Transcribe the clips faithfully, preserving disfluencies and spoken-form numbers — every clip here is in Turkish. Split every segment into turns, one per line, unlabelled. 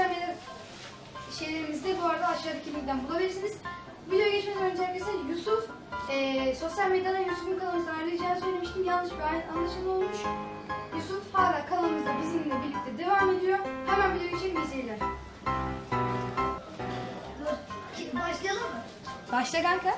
sosyal medya şeylerimizde bu arada aşağıdaki linkten bulabilirsiniz. Videoya geçmeden önce arkadaşlar Yusuf e, sosyal medyadan Yusuf'un kanalımızdan ayrılacağını söylemiştim. Yanlış bir anlaşılma olmuş. Yusuf hala kanalımızda bizimle birlikte devam ediyor. Hemen videoya geçelim, iyi seyirler.
Başlayalım mı?
Başla kanka.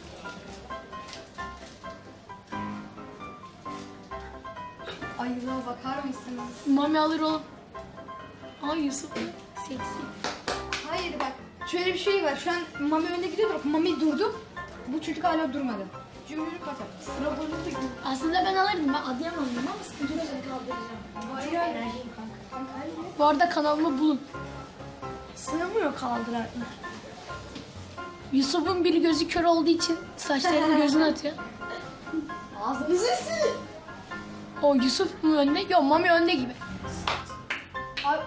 Ayılığa bakar mısınız?
Mami alır oğlum. Ay Yusuf seksi.
Hayır bak, şöyle bir şey var. Şu an Mami önde gidiyor. Bak Mami durdu. Bu çocuk hala durmadı. Cümleyi kapat. Sıra bozuldu gibi.
Aslında ben alırdım, ben atlayamadım ama sıkıntı yok.
Kaldıracağım.
Hayır,
Çok
hayır.
enerjiyim kanka.
Kanka hayır.
Bu arada kanalımı bulun. Sığmıyor kaldırar. Yusuf'un bir gözü kör olduğu için saçlarını gözüne atıyor.
Ağzınızı sil.
O Yusuf mu önde? Yok Mami önde gibi.
Abi,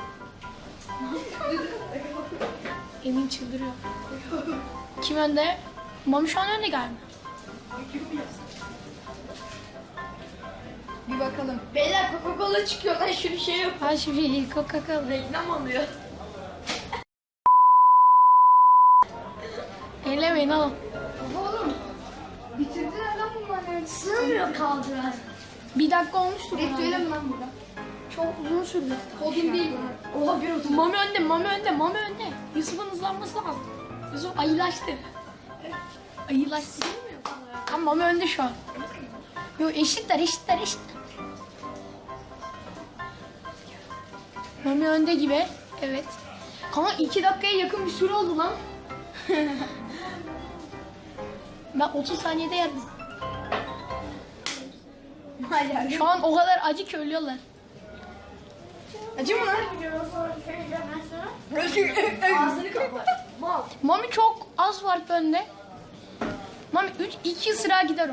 Emin çıldırıyor. Kim önde? Mami şu an önde galiba.
bir bakalım.
Beyler Coca-Cola çıkıyor lan şunu şey yap.
Ha şimdi Coca-Cola.
Reklam alıyor.
Ellemeyin oğlum.
Oğlum, bitirdiler lan bunlar yani.
Sığmıyor kaldırar.
Bir dakika olmuştur.
Bekleyelim
herhalde.
lan burada.
Çok uzun sürdü.
Kodum değil.
Oha bir otur.
Mami önde, Mami önde, Mami önde. Yusuf'un hızlanması lazım. Yusuf ayılaştı. Ayılaştı. Ama Mami önde şu an. Yok eşitler, eşitler, eşitler. Mami önde gibi. Evet. Ama iki dakikaya yakın bir süre oldu lan. Ben otuz saniyede yerdim.
Hayır.
Şu an o kadar acı ki ölüyorlar.
Acı mı lan?
Ağzını kapat. Mal.
Mami çok az var önde. Mami üç iki sıra gider o.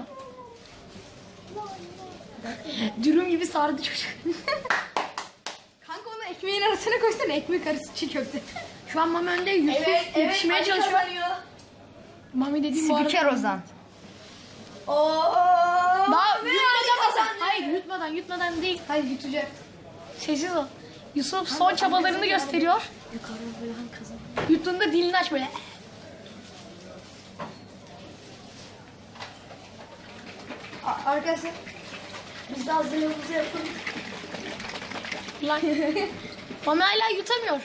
Dürüm gibi sardı çocuk.
Kanka onu ekmeğin arasına koysana, ekmek arası çiğ köfte.
Şu an Mami önde Yusuf
Evet, evet.
yetişmeye
Ali
çalışıyor.
kazanıyor.
Mami dediğim bu arada.
Spiker Ozan.
Oo.
Daha
Ve
yutmadan
Ali kazandı.
Hayır yutmadan yutmadan değil.
Hayır yutacak.
Sessiz ol. Yusuf son çabalarını gösteriyor. Yuttuğunda dilini aç böyle.
A- Arkadaşlar.
Biz de hazırlığımızı yapalım.
Lan. Mami hala yutamıyor.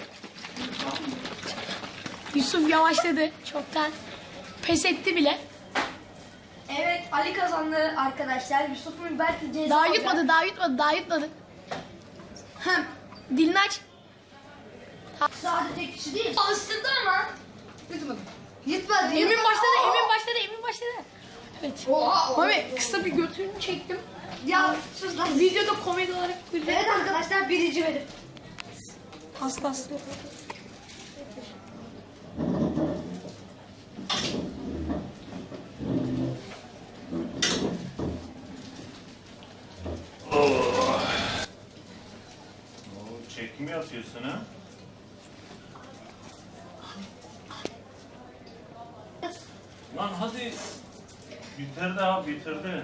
Yusuf yavaşladı çoktan. Pes etti bile.
Evet Ali kazandı arkadaşlar. Yusuf'un belki ceza
Daha
alacak.
yutmadı, daha yutmadı, daha yutmadı.
Hem.
Dilini aç.
Sadece kişi değil. Alıştırdı ama.
Yutmadım. Yutmadı.
Emin başladı, Emin başladı, Emin başladı. Evet.
Oha.
Mami kısa bir götürünü çektim.
Ya sus lan.
Videoda komedi olarak güldüm.
Evet arkadaşlar, birinci benim.
Hasta hasta.
Oo, çekim yapıyorsun ha? Lan hadi. Bitirdi abi, bitirdi.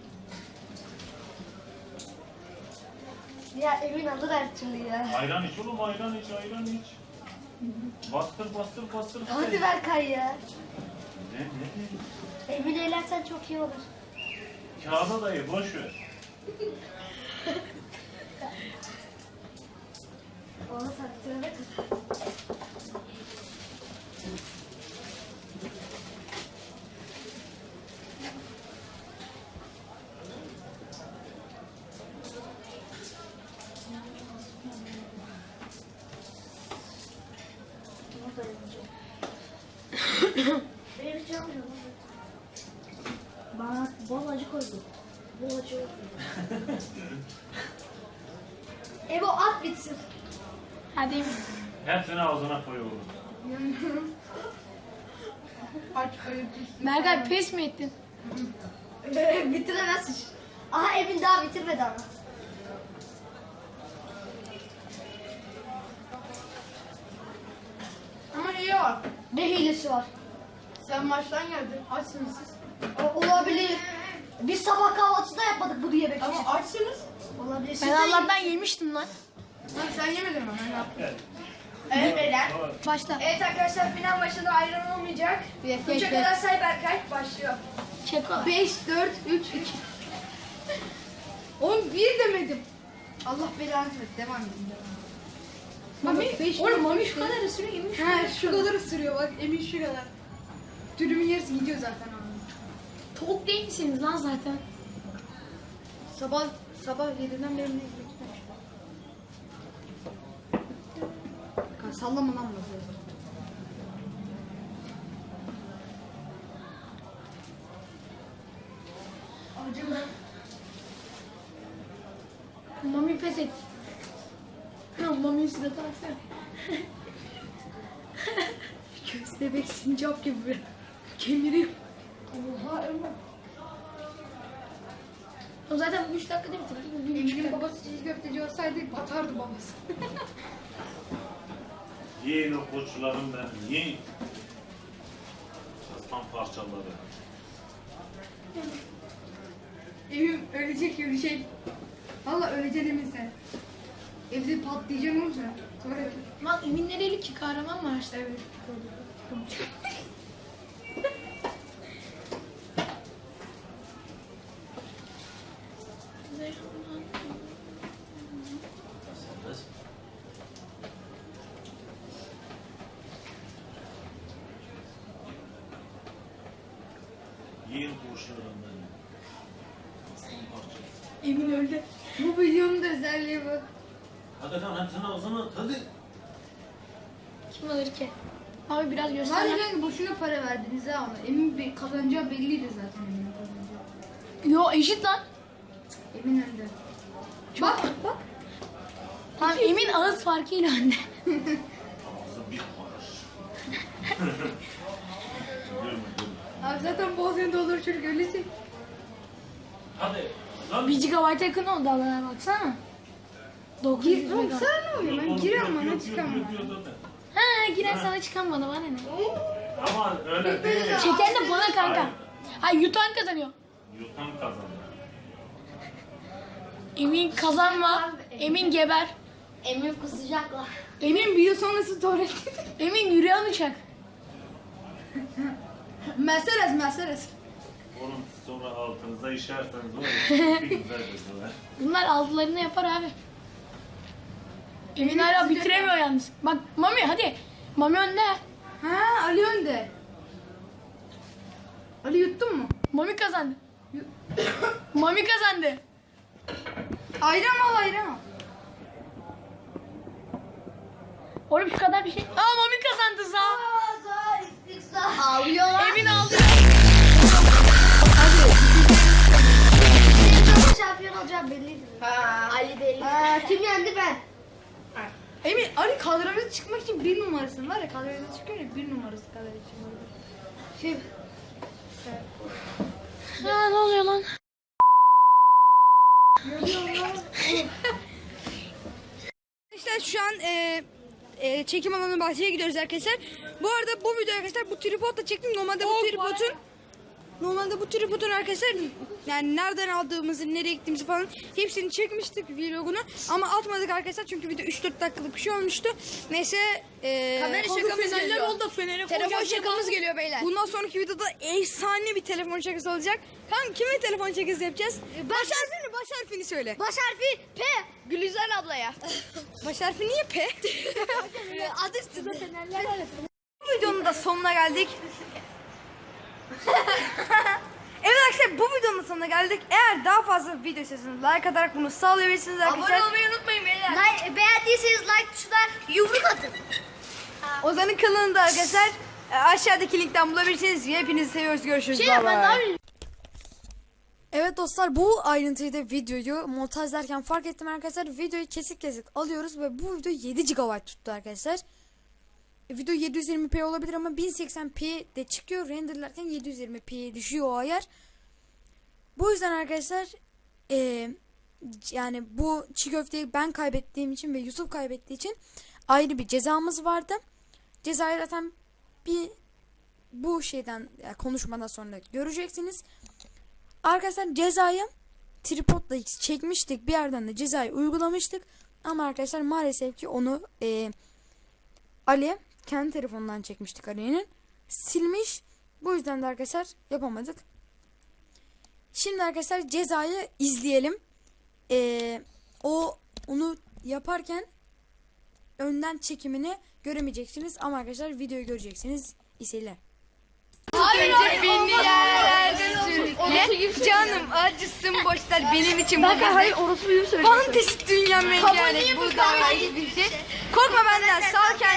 Ya Emin alır her türlü ya.
Ayran iç oğlum, ayran iç, ayran iç. Bastır, bastır, bastır.
Hadi Berkay ya.
Ne, ne, ne?
Emin eğlensen çok iyi olur.
Kağıda dayı, boş ver.
Onu taktırana kadar. Benim hiç yapmıyorum. Bana bol acı koydu. Bol acı koydu. Ebo at bitsin.
Hadi Emin.
Hepsini ağzına koy oğlum.
Aç ayıp.
Berkay pes mi ettin?
Bitiremezsin. Aha Emin daha bitirmedi ama.
Ama iyi var.
Ne hilesi var?
Sen maçtan geldin. Açsınız siz.
O- olabilir. Biz sabah kahvaltıda yapmadık bunu yemek için.
Ama açsınız.
Olabilir. Siz
Ben
de
Allah'tan yemiştim lan.
Lan sen yemedin mi? Ben yaptım.
Eren.
Başla.
Evet arkadaşlar final maçında ayran olmayacak.
Bir dakika,
Üçe
bekle.
kadar say Berkay. Başlıyor.
Çeko.
beş, dört, üç, iki. Oğlum bir demedim. Allah belanı versin. Devam edin. Devam edin.
Mami,
beş,
oğlum
dört,
Mami
üç,
şu kadar ısırıyor, Emin şu
Ha
kadar.
şu kadar ısırıyor bak. Emin şu kadar. Dürümün yarısı gidiyor zaten abi.
Tavuk değil misiniz lan zaten?
Sabah sabah yediden beri ne yapıyorsun? Sallama lan bunu.
Acılı.
Mami pes et. Ha, Mami suratı baksana.
Köstebek sincap gibi böyle. Kemiriyor.
Oha Ömer.
O zaten üç dakikada bitirdi. Bir buçuk
Emin'in
dakika.
babası çiğ köfteci olsaydı batardı babası.
Yiyin o koçlarım benim, yiyin. Aslan parçaları.
Emin ölecek gibi bir şey. Valla öleceksin Emin sen. Evde patlayacaksın olursa. Sonra
Lan Emin nereli ki? Kahraman var işte.
evet.
Yiyin koçlarım benim. Aslan parçaları.
Emin öldü.
Bu videonun da özelliği bu.
Hadi lan hepsini ağzına at, hadi.
Kim alır ki? Abi biraz
Var
göster.
ya kanka boşuna para verdiniz ha ona. Emin Bey kazanacağı belliydi zaten Emin'in kazanacağı.
Yo eşit lan.
Emin önde. Bak bak.
Tamam Emin ağız farkıyla anne.
Ağzı bir karış. Görme, görme.
Abi zaten boğazını doldur çocuk ölecek.
Hadi. Lan.
bir gigabayta yakın oldu Allah'a baksana. dokuz yüz
Gir, oğlum
mega.
sana ne oluyor? Ben
Yok,
giriyorum
yok,
bana
yok,
çıkamam.
yok, yok, yok, yok.
Ha giren sana çıkan bana bana ne?
Ama öyle değil.
Çeken de bana kanka.
Hayır.
Hayır yutan kazanıyor.
Yutan kazanır.
Emin kazanma. Emin geber.
Emin kusacaklar.
Emin bir yıl sonrası tuvalet.
Emin yürüyen uçak.
Mercedes Mercedes.
Onun sonra altınıza işerseniz var ya, bir güzel gözler.
Bunlar altılarını yapar abi. Emin
Emin
hala
sıcak
bitiremiyor yalnız. Bak Mami hadi. Mami önde.
Ha Ali önde. Ali yuttun mu?
Mami kazandı. Mami kazandı.
Ayran al ayran al.
Oğlum şu kadar bir şey. Aa Mami kazandı sağ.
Ağlıyorlar.
Emin aldı.
Şampiyon olacağı belliydi. Ha. Ali belli. kim yendi ben?
Emin Ali kadromuza çıkmak için bir numarasın var ya kadromuza çıkıyor ya bir numarası kadar için. Şey,
Ha ne oluyor lan?
İşte şu an e, e, çekim alanı bahçeye gidiyoruz arkadaşlar. Bu arada bu video arkadaşlar bu tripodla çektim. Normalde bu tripodun normalde bu tripodun arkadaşlar yani nereden aldığımızı, nereye gittiğimizi falan hepsini çekmiştik vlogunu. Ama atmadık arkadaşlar çünkü video üç dört dakikalık bir şey olmuştu. Neyse e,
Kamera
hazır
şakamız
fenerler
geliyor.
oldu, feneri
Telefon
koyacağız.
şakamız geliyor beyler.
Bundan sonraki videoda efsane bir telefon şakası olacak. Kanka kime telefon şakası yapacağız? Baş harfini, baş harfini söyle.
Baş harfi P. Gülizar ablaya.
Baş harfi niye P?
Adı üstünde.
Bu videonun da sonuna geldik. Evet arkadaşlar bu videonun da sonuna geldik. Eğer daha fazla video istiyorsanız like atarak bunu sağlayabilirsiniz arkadaşlar.
Abone olmayı unutmayın beyler. Like, beğendiyseniz like tuşuna yumruk atın.
Ozan'ın kanalında arkadaşlar e, aşağıdaki linkten bulabilirsiniz. Hepinizi seviyoruz. Görüşürüz.
Şey
Bye
ben
bye.
daha bir
Evet dostlar bu ayrıntıyı da videoyu montajlarken fark ettim arkadaşlar. Videoyu kesik kesik alıyoruz ve bu video yedi gigabayt tuttu arkadaşlar. E, video yedi yüz yirmi p olabilir ama bin seksen p de çıkıyor. Renderlerken yedi yüz yirmi p'ye düşüyor o ayar. Bu yüzden arkadaşlar e, yani bu çiğ köfteyi ben kaybettiğim için ve Yusuf kaybettiği için ayrı bir cezamız vardı. Cezayı zaten bir bu şeyden yani konuşmadan sonra göreceksiniz. Arkadaşlar cezayı tripodla çekmiştik. Bir yerden de cezayı uygulamıştık. Ama arkadaşlar maalesef ki onu e, Ali kendi telefonundan çekmiştik Ali'nin. Silmiş. Bu yüzden de arkadaşlar yapamadık. Şimdi arkadaşlar cezayı izleyelim. Ee, o onu yaparken önden çekimini göremeyeceksiniz ama arkadaşlar videoyu göreceksiniz. İyi seyirler.
Beni yerlerde sürükle. Canım acısın boşlar benim için bu gece.
orası büyük söylüyor.
Fantezi dünya mengenek bu da bir şey. Korkma benden sal kendini.